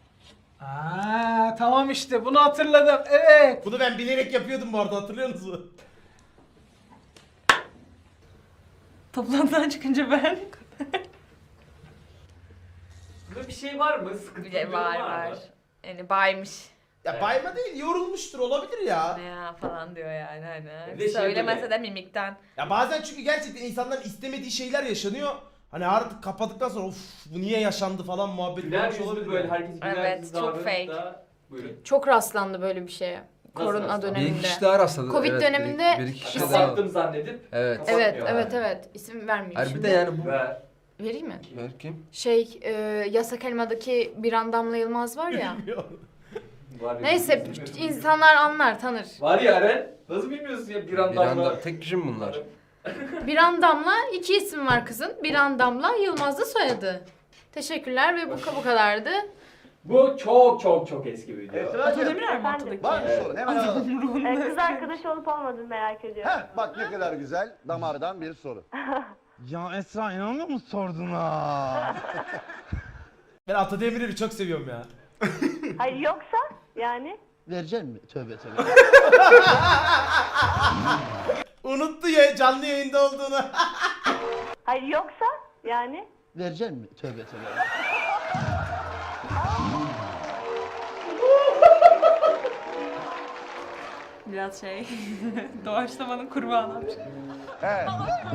[SPEAKER 2] Aa tamam işte bunu hatırladım. Evet.
[SPEAKER 1] Bunu ben bilerek yapıyordum bu arada, hatırlıyor musun?
[SPEAKER 7] Toplantıdan çıkınca ben.
[SPEAKER 3] Burada bir şey var mı? Sıkıntı
[SPEAKER 5] Bir
[SPEAKER 3] bir
[SPEAKER 5] de
[SPEAKER 3] durum
[SPEAKER 5] var
[SPEAKER 3] var
[SPEAKER 5] var.
[SPEAKER 3] mı?
[SPEAKER 5] Yani baymış.
[SPEAKER 1] Ya
[SPEAKER 3] Evet.
[SPEAKER 1] bayma değil, yorulmuştur, olabilir ya.
[SPEAKER 5] Ne ya falan diyor yani hani.
[SPEAKER 3] Bir de şey
[SPEAKER 5] Söylemese
[SPEAKER 3] böyle-
[SPEAKER 5] de mimikten.
[SPEAKER 1] Ya bazen çünkü gerçekten insanların istemediği şeyler yaşanıyor. Hani artık kapadıktan sonra of bu niye yaşandı falan muhabbet
[SPEAKER 3] Güler
[SPEAKER 1] olmuş
[SPEAKER 3] yüzlü
[SPEAKER 1] olabilir
[SPEAKER 3] böyle
[SPEAKER 1] yani.
[SPEAKER 3] herkes güler
[SPEAKER 5] Evet,
[SPEAKER 3] yüzlü
[SPEAKER 5] çok
[SPEAKER 3] davranıp
[SPEAKER 5] fake.
[SPEAKER 3] da- Buyurun.
[SPEAKER 15] çok rastlandı böyle bir şeye. Korona
[SPEAKER 3] rastlandı?
[SPEAKER 4] Bir iki
[SPEAKER 15] döneminde.
[SPEAKER 4] kişi daha rastladı.
[SPEAKER 15] Covid
[SPEAKER 4] evet,
[SPEAKER 15] döneminde
[SPEAKER 4] Bir, bir iki kişi
[SPEAKER 15] isim-
[SPEAKER 4] daha.
[SPEAKER 3] Kapattım zannedip
[SPEAKER 4] Evet.
[SPEAKER 3] kapatmıyor
[SPEAKER 15] Evet, evet,
[SPEAKER 3] yani.
[SPEAKER 15] evet. İsim vermeyeyim
[SPEAKER 4] Hayır bir
[SPEAKER 15] şimdi.
[SPEAKER 4] de yani bu.
[SPEAKER 3] Ve
[SPEAKER 15] Vereyim mi?
[SPEAKER 4] Ver kim?
[SPEAKER 15] Şey, e, Yasak Elma'daki Biran Damla Yılmaz var ya.
[SPEAKER 3] var ya,
[SPEAKER 15] Neyse,
[SPEAKER 3] bilmiyorum.
[SPEAKER 15] insanlar anlar, tanır.
[SPEAKER 3] Var ya Eren. Nasıl bilmiyorsun ya bir
[SPEAKER 4] Bir
[SPEAKER 3] anda
[SPEAKER 4] anda tek kişi mi bunlar?
[SPEAKER 15] Biran Damla, iki isim var kızın. Biran Damla, Yılmaz da soyadı. Teşekkürler ve bu, bu kadardı.
[SPEAKER 3] Bu çok çok çok eski bir video.
[SPEAKER 7] Ato Demirer mi ortadaki?
[SPEAKER 16] Var mı sorun? Hemen alalım.
[SPEAKER 7] Ee,
[SPEAKER 8] Kız arkadaş olup olmadığını merak ediyorum.
[SPEAKER 16] Heh, bak ne kadar güzel damardan bir soru. Ya Esra inanmıyor musun sordun ha?
[SPEAKER 1] Ben Ata Demirer'i çok seviyorum ya.
[SPEAKER 8] Hayır yoksa yani?
[SPEAKER 16] Verecek mi? Tövbe tövbe.
[SPEAKER 1] Unuttu ya canlı yayında olduğunu.
[SPEAKER 8] Hayır yoksa yani?
[SPEAKER 16] Verecek mi? Tövbe tövbe.
[SPEAKER 7] Biraz şey. Doğaçlamanın kurbanı.
[SPEAKER 16] Evet.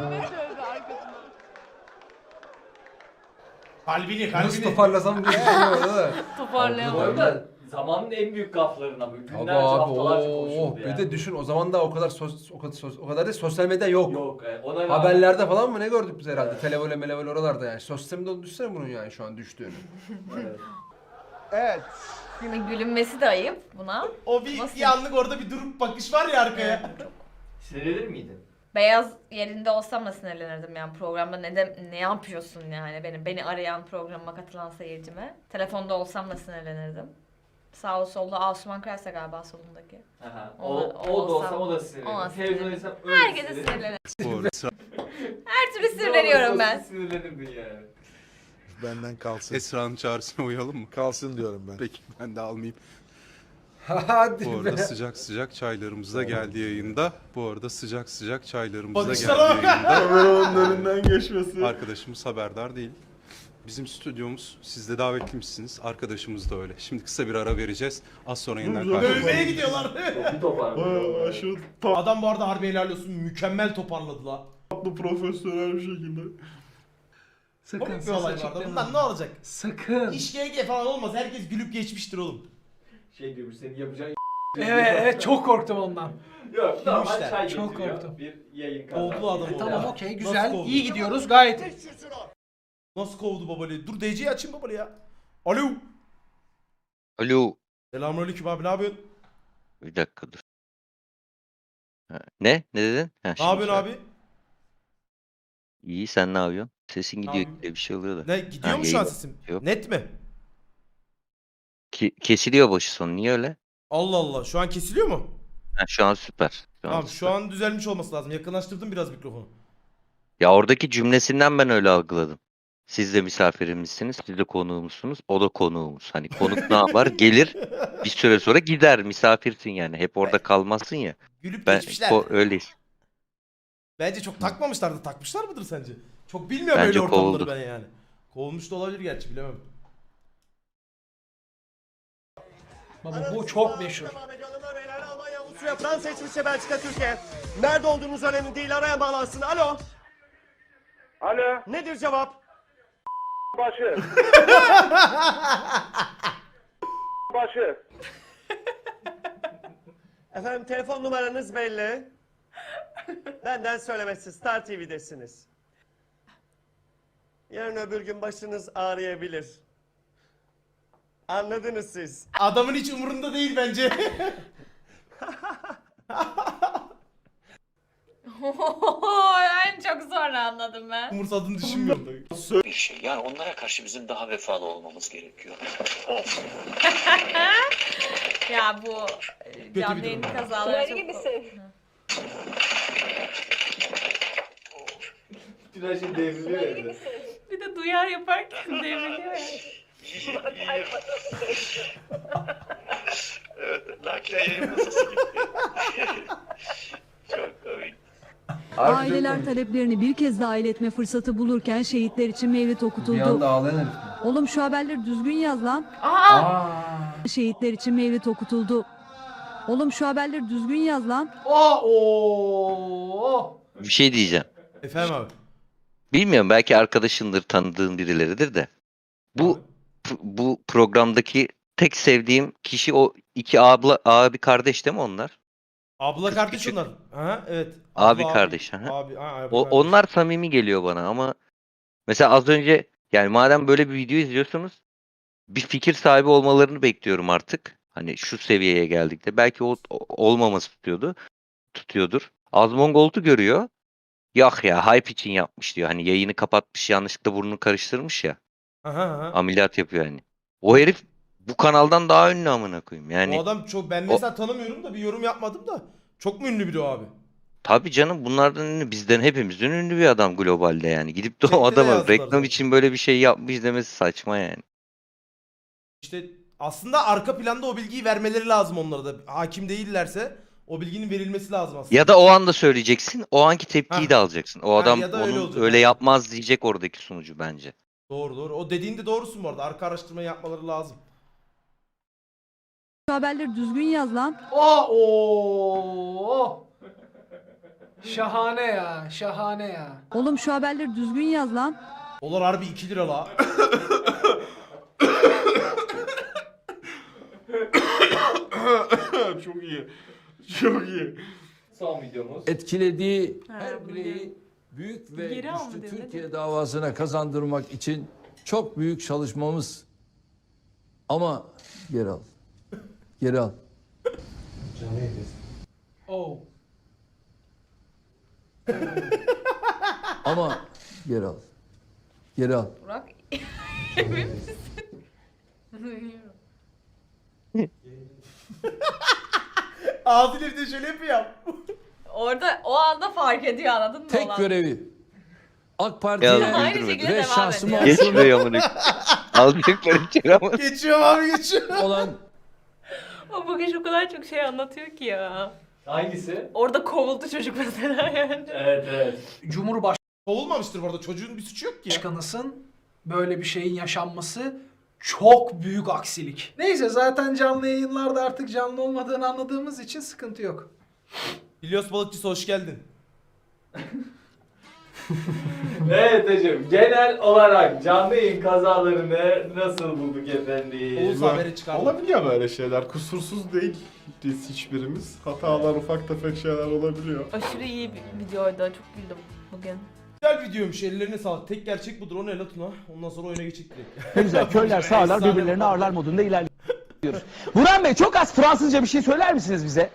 [SPEAKER 1] Kalbini
[SPEAKER 4] Nasıl
[SPEAKER 1] kalbini.
[SPEAKER 4] toparlasam diye düşünüyorum da.
[SPEAKER 3] Bu
[SPEAKER 5] Toparlayamadım.
[SPEAKER 3] arada zamanın en büyük gaflarına bu.
[SPEAKER 4] Abi
[SPEAKER 3] Günlerce
[SPEAKER 4] abi
[SPEAKER 3] haftalarca
[SPEAKER 4] oh,
[SPEAKER 3] konuşuldu
[SPEAKER 4] bir
[SPEAKER 3] yani.
[SPEAKER 4] de düşün o zaman da o kadar sos, o kadar sos, o kadar da sosyal medya yok.
[SPEAKER 3] Yok. e, Ona rağmen-
[SPEAKER 4] Haberlerde falan mı ne gördük biz herhalde? Televole melevole oralarda yani. Sosyal medyada düşsene bunun yani şu an düştüğünü.
[SPEAKER 3] Evet.
[SPEAKER 16] Evet.
[SPEAKER 5] Şimdi gülünmesi de ayıp buna.
[SPEAKER 1] O bir,
[SPEAKER 5] Nasıl?
[SPEAKER 1] bir anlık orada bir durup bakış var ya arkaya.
[SPEAKER 3] Sinirlenir miydin?
[SPEAKER 5] Beyaz yerinde olsam da sinirlenirdim yani programda ne de, ne yapıyorsun yani benim beni arayan programa katılan seyircime. Telefonda olsam da sinirlenirdim. Sağ solda Asuman Kralsa galiba solundaki.
[SPEAKER 3] Aha. O,
[SPEAKER 5] Ona-
[SPEAKER 3] o, da olsam o da
[SPEAKER 5] ona
[SPEAKER 3] sinirlenir.
[SPEAKER 5] sinirlenir.
[SPEAKER 3] Televizyonda öyle
[SPEAKER 5] Herkese
[SPEAKER 3] sinirlenir.
[SPEAKER 5] sinirlenir. Her türlü sinirleniyorum ben.
[SPEAKER 3] Sinirlenirdin yani.
[SPEAKER 17] Benden kalsın. Esra'nın çağrısına uyalım mı? Kalsın diyorum ben. Peki ben de almayayım.
[SPEAKER 4] Hadi
[SPEAKER 17] Bu
[SPEAKER 4] be.
[SPEAKER 17] arada sıcak sıcak çaylarımız da geldi yayında. Bu arada sıcak sıcak çaylarımız da
[SPEAKER 1] Bakışlara
[SPEAKER 17] geldi
[SPEAKER 1] bak.
[SPEAKER 17] yayında.
[SPEAKER 6] Kameranın önünden geçmesi.
[SPEAKER 17] Arkadaşımız haberdar değil. Bizim stüdyomuz, siz de davetliymişsiniz. Arkadaşımız da öyle. Şimdi kısa bir ara vereceğiz. Az sonra yeniden
[SPEAKER 6] Güzel.
[SPEAKER 17] karşınızda
[SPEAKER 1] Dövmeye
[SPEAKER 17] olacağız.
[SPEAKER 1] gidiyorlar.
[SPEAKER 3] Bir toparladım.
[SPEAKER 6] Vay aşırı tatlı
[SPEAKER 1] Adam bu arada harbi helal olsun, mükemmel toparladı la.
[SPEAKER 6] profesyonel bir şekilde.
[SPEAKER 2] Sakın
[SPEAKER 1] Komik bir
[SPEAKER 2] ses
[SPEAKER 1] olay
[SPEAKER 2] açık
[SPEAKER 1] vardı.
[SPEAKER 2] deme.
[SPEAKER 1] Bundan ne olacak?
[SPEAKER 2] Sakın.
[SPEAKER 1] İş G G falan olmaz. Herkes gülüp geçmiştir oğlum.
[SPEAKER 3] Şey diyormuş senin yapacağın
[SPEAKER 2] Evet, evet çok korktum ondan.
[SPEAKER 3] Yok normal
[SPEAKER 1] Gülmüşler.
[SPEAKER 3] çay
[SPEAKER 2] Çok
[SPEAKER 3] getiriyor.
[SPEAKER 2] korktum.
[SPEAKER 3] Bir yayın kazası.
[SPEAKER 1] Kovdu adam
[SPEAKER 2] E,
[SPEAKER 1] o
[SPEAKER 2] tamam
[SPEAKER 1] ya.
[SPEAKER 2] okey
[SPEAKER 1] Nasıl
[SPEAKER 2] güzel.
[SPEAKER 1] kovdu?
[SPEAKER 2] İyi gidiyoruz gayet iyi.
[SPEAKER 1] Nasıl kovdu babalı? Dur D C'yi açayım babalı ya. Alo.
[SPEAKER 18] Alo.
[SPEAKER 1] Selamünaleyküm abi, ne yapıyorsun?
[SPEAKER 18] Bir dakika dur. Ha, Ne? Ne dedin? Ha,
[SPEAKER 1] Ne
[SPEAKER 18] şimdi
[SPEAKER 1] yapıyorsun
[SPEAKER 18] söyle.
[SPEAKER 1] abi?
[SPEAKER 18] İyi sen ne yapıyorsun? Sesin gidiyor
[SPEAKER 1] yapayım?
[SPEAKER 18] gidiyor bir şey oluyor da.
[SPEAKER 1] Ne gidiyor
[SPEAKER 18] Ha,
[SPEAKER 1] mu şu an
[SPEAKER 18] yayın-
[SPEAKER 1] sesim?
[SPEAKER 18] Yok.
[SPEAKER 1] Net mi?
[SPEAKER 18] Ki- kesiliyor başı sonu. Niye öyle?
[SPEAKER 1] Allah Allah. Şu an kesiliyor mu?
[SPEAKER 18] Ha, şu an süper. Şu an
[SPEAKER 1] Tamam,
[SPEAKER 18] süper.
[SPEAKER 1] şu an düzelmiş olması lazım. Yakınlaştırdım biraz mikrofonu.
[SPEAKER 18] Ya oradaki cümlesinden ben öyle algıladım. Siz de misafirimizsiniz, siz de konuğumuzsunuz, o da konuğumuz. Hani konuk ne yapar? Gelir, bir süre sonra gider, misafirsin yani. Hep orada kalmazsın ya.
[SPEAKER 1] Gülüp
[SPEAKER 18] Ben
[SPEAKER 1] geçmişler.
[SPEAKER 18] ko- öyleyiz.
[SPEAKER 1] Bence çok takmamışlardı. Takmışlar mıdır sence? Çok bilmiyorum
[SPEAKER 18] Bence
[SPEAKER 1] öyle ortamları
[SPEAKER 18] kovuldu.
[SPEAKER 1] ben yani. Kovulmuş da olabilir gerçi, bilemem.
[SPEAKER 2] Baba bu çok meşhur.
[SPEAKER 19] Avusturya, Fransa, İsviçre, Belçika, Türkiye. Nerede olduğunuz önemli değil. Araya bağlansın. Alo. Alo. Nedir cevap? Başı. Başı. Efendim telefon numaranız belli. Benden söylemesi Star T V'desiniz. Yarın öbür gün başınız ağrıyabilir. Anladınız siz.
[SPEAKER 1] Adamın hiç umurunda değil bence.
[SPEAKER 5] En çok sonra anladım ben.
[SPEAKER 1] Umursadığını düşünmüyorum da.
[SPEAKER 20] Bir şey. Yani onlara karşı bizim daha vefalı olmamız gerekiyor.
[SPEAKER 5] Ya bu e, canlı yayın kazaları çok...
[SPEAKER 3] Tünaş'ın devriliyor evde.
[SPEAKER 7] Bir de duyar yaparken devriliyor ya.
[SPEAKER 20] Evet, nakliye yayın masası gibi. Çok komik.
[SPEAKER 21] Aileler taleplerini bir kez daha iletme fırsatı bulurken şehitler için mevlid
[SPEAKER 4] Bir
[SPEAKER 21] okutuldu.
[SPEAKER 4] anda ağlayan herif.
[SPEAKER 21] Oğlum şu haberleri düzgün yaz lan.
[SPEAKER 4] Aa.
[SPEAKER 21] Şehitler için mevlid okutuldu. Oğlum şu haberleri düzgün yaz lan.
[SPEAKER 2] Aa, oo.
[SPEAKER 18] Bir şey diyeceğim.
[SPEAKER 1] Efendim abi.
[SPEAKER 18] Bilmiyorum, belki arkadaşındır, tanıdığın birileridir de. Bu bu programdaki tek sevdiğim kişi o iki abla abi kardeş değil mi onlar?
[SPEAKER 1] Abla kardeş
[SPEAKER 18] küçük.
[SPEAKER 1] onlar. Aha, evet.
[SPEAKER 18] Abi
[SPEAKER 1] Abla,
[SPEAKER 18] kardeş.
[SPEAKER 1] Abi,
[SPEAKER 18] aha.
[SPEAKER 1] abi, ha, abi
[SPEAKER 18] O,
[SPEAKER 1] kardeş.
[SPEAKER 18] onlar samimi geliyor bana ama mesela az önce, yani madem böyle bir video izliyorsunuz, bir fikir sahibi olmalarını bekliyorum artık. Hani şu seviyeye geldik de belki o, o- olmaması tutuyordu. Tutuyordur. Azmongolt'u görüyor. Yok ya, hype için yapmış diyor. Hani yayını kapatmış, yanlışlıkla burnunu karıştırmış ya.
[SPEAKER 1] Aha, aha.
[SPEAKER 18] Ameliyat yapıyor hani. O herif bu kanaldan daha ünlü amına koyayım. Yani
[SPEAKER 1] O adam çok, ben mesela tanımıyorum da bir yorum yapmadım da. Çok mu ünlü biri o abi?
[SPEAKER 18] tabii canım, bunlardan ünlü, bizden hepimizden ünlü bir adam globalde yani. Gidip de o
[SPEAKER 1] Chatte de
[SPEAKER 18] adama
[SPEAKER 1] yazdılar
[SPEAKER 18] reklam
[SPEAKER 1] zaten.
[SPEAKER 18] için böyle bir şey yapmış demesi saçma yani.
[SPEAKER 1] İşte aslında arka planda o bilgiyi vermeleri lazım onlara da. Hakim değillerse o bilginin verilmesi lazım aslında.
[SPEAKER 18] Ya da o anda söyleyeceksin, o anki tepkiyi
[SPEAKER 1] Hah.
[SPEAKER 18] de alacaksın. O
[SPEAKER 1] Ha,
[SPEAKER 18] adam
[SPEAKER 1] ya da öyle
[SPEAKER 18] onun
[SPEAKER 1] olacak,
[SPEAKER 18] öyle
[SPEAKER 1] aynen.
[SPEAKER 18] yapmaz diyecek oradaki sunucu bence.
[SPEAKER 1] Doğru doğru. O dediğinde doğrusun bu arada. Arka araştırma yapmaları lazım.
[SPEAKER 21] Şu haberleri düzgün yaz lan.
[SPEAKER 2] Aa, oo. Şahane ya, şahane ya.
[SPEAKER 21] Oğlum şu haberleri düzgün yaz lan.
[SPEAKER 1] Dolar harbi iki lira la.
[SPEAKER 6] Çok iyi. Çok iyi.
[SPEAKER 3] Son videomuz.
[SPEAKER 22] Etkilediği
[SPEAKER 7] Ha,
[SPEAKER 22] her
[SPEAKER 7] bu
[SPEAKER 22] bireyi büyük ve
[SPEAKER 7] Geri al mı
[SPEAKER 22] güçlü
[SPEAKER 7] diyor, ne
[SPEAKER 22] Türkiye davasına kazandırmak için çok büyük çalışmamız. Ama geri al. Geri al.
[SPEAKER 2] Oh.
[SPEAKER 22] Ama geri al. Geri al.
[SPEAKER 5] Burak. Emin misin?
[SPEAKER 1] Ağzıyla bir de şöyle yapıyor.
[SPEAKER 5] Orada o anda fark ediyor, anladın mı?
[SPEAKER 22] Tek
[SPEAKER 5] olan?
[SPEAKER 22] görevi AK
[SPEAKER 18] Ya
[SPEAKER 22] Parti'ye
[SPEAKER 5] Aynı
[SPEAKER 18] güldürme.
[SPEAKER 5] şekilde
[SPEAKER 22] ve
[SPEAKER 5] devam
[SPEAKER 22] şansıma
[SPEAKER 5] ediyor.
[SPEAKER 18] Geç şuraya amına. Alacaklar içeri ama.
[SPEAKER 1] Geçiyorum abi geçiyorum.
[SPEAKER 22] olan
[SPEAKER 7] O bugün o kadar çok şey anlatıyor ki ya.
[SPEAKER 3] Hangisi?
[SPEAKER 7] Orada kovuldu çocuk mesela yani.
[SPEAKER 3] Evet evet.
[SPEAKER 2] Cumhurbaşkanısın,
[SPEAKER 1] Kovulmamıştır bu arada. Çocuğun bir suçu yok ki ya.
[SPEAKER 2] böyle bir şeyin yaşanması çok büyük aksilik. Neyse, zaten canlı yayınlarda artık canlı olmadığını anladığımız için sıkıntı yok.
[SPEAKER 1] İlyas Balıkçısı hoş geldin.
[SPEAKER 3] Evet hocam, genel olarak canlı yayın kazalarını nasıl bulduk efendim?
[SPEAKER 1] Oğuz haberi çıkardı.
[SPEAKER 6] Olabiliyor böyle şeyler. Kusursuz değil biz hiçbirimiz. Hatalar, ufak tefek şeyler olabiliyor.
[SPEAKER 7] Aşırı iyi bir videoydu. Çok güldüm bugün.
[SPEAKER 1] Güzel videoymuş. Ellerine sağlık. Tek gerçek budur. O ne la Tuna? Ondan sonra oyuna geçecek direkt.
[SPEAKER 23] Ne güzel köyler sağlar
[SPEAKER 1] Efsane
[SPEAKER 23] birbirlerini
[SPEAKER 1] bu.
[SPEAKER 23] ağırlar modunda ilerliyoruz. Burhan Bey çok az Fransızca bir şey söyler misiniz bize?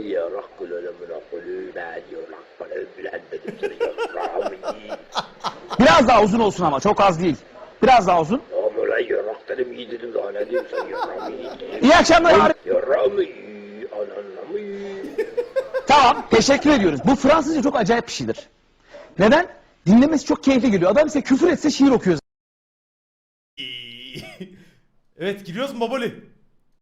[SPEAKER 23] Biraz daha uzun olsun ama çok az değil. Biraz daha uzun. İyi akşamlar. Tamam, teşekkür ediyoruz. Bu Fransızca çok acayip bir şeydir. Neden? Dinlemesi çok keyifli geliyor. Adam ise küfür etse şiir okuyor.
[SPEAKER 1] Evet, giriyoruz mu Baboli?